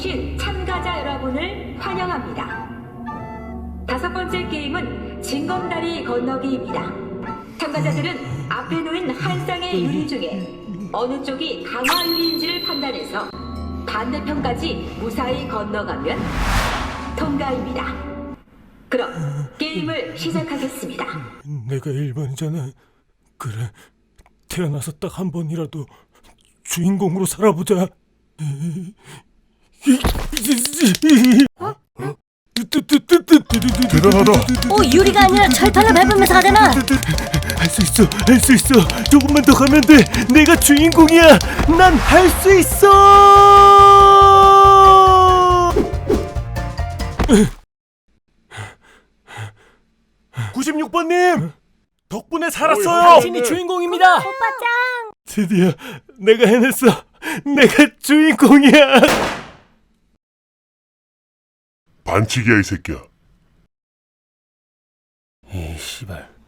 오신 참가자 여러분을 환영합니다. 5번째 게임은 징검다리 건너기입니다. 참가자들은 앞에 놓인 한 쌍의 유리 중에 어느 쪽이 강화 유리인지를 판단해서 반대편까지 무사히 건너가면 통과입니다. 그럼 게임을 시작하겠습니다. 내가 1번이잖아. 그래, 태어나서 딱 한 번이라도 주인공으로 살아보자. 대단하다. 유리가 아니라 철판을 밟으면서 가잖아. 할 수 있어, 할 수 있어. 조금만 더 가면 돼. 내가 주인공이야. 난 할 수 있어. 96번님 덕분에 살았어요. 당신이 주인공입니다. 오빠 짱. 드디어 내가 해냈어. 내가 주인공이야. 반칙이야 이 새끼야. 이 씨발.